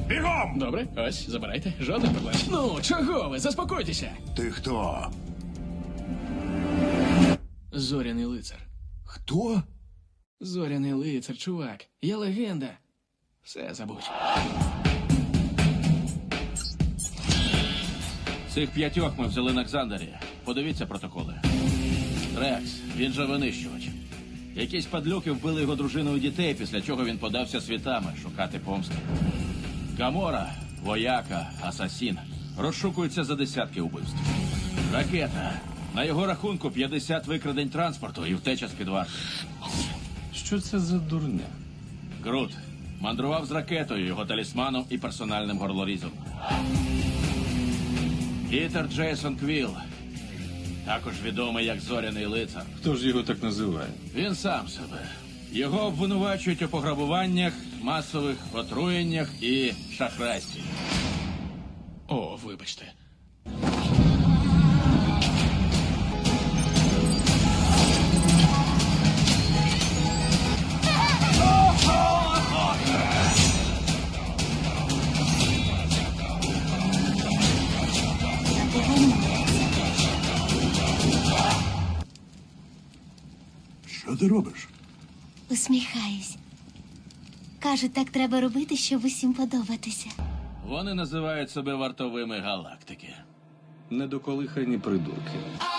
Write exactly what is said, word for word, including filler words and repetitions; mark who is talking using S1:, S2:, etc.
S1: Бігом!
S2: Добре, ось, забирайте. Жодних проблем. Ну, чого ви? Заспокойтеся.
S1: Ти хто?
S2: Зоряний лицар.
S1: Хто?
S2: Зоряний лицар, чувак. Я легенда. Все забудь.
S3: Цих п'ятьох ми взяли на Ксандері. Подивіться протоколи. Рекс, він же винищувач. Якісь падлюки вбили його дружину і дітей, після чого він подався світами шукати помсти. Гамора, вояка, асасін. Розшукується за десятки убивств. Ракета. На його рахунку п'ятдесят викрадень транспорту і втеча з-під варти.
S4: Що це за дурня?
S3: Грут. Мандрував з ракетою, його талісманом і персональним горлорізом. Пітер Джейсон Квіл. Також відомий як Зоряний лицар.
S4: Хто ж його так називає?
S3: Він сам себе. Його обвинувачують у пограбуваннях, масових отруєннях і шахрайстві.
S2: О, вибачте.
S1: Що ти робиш?
S5: Усміхаюсь. Кажуть, так треба робити, щоб усім подобатися.
S3: Вони називають себе вартовими галактики.
S4: Недоколихані придурки.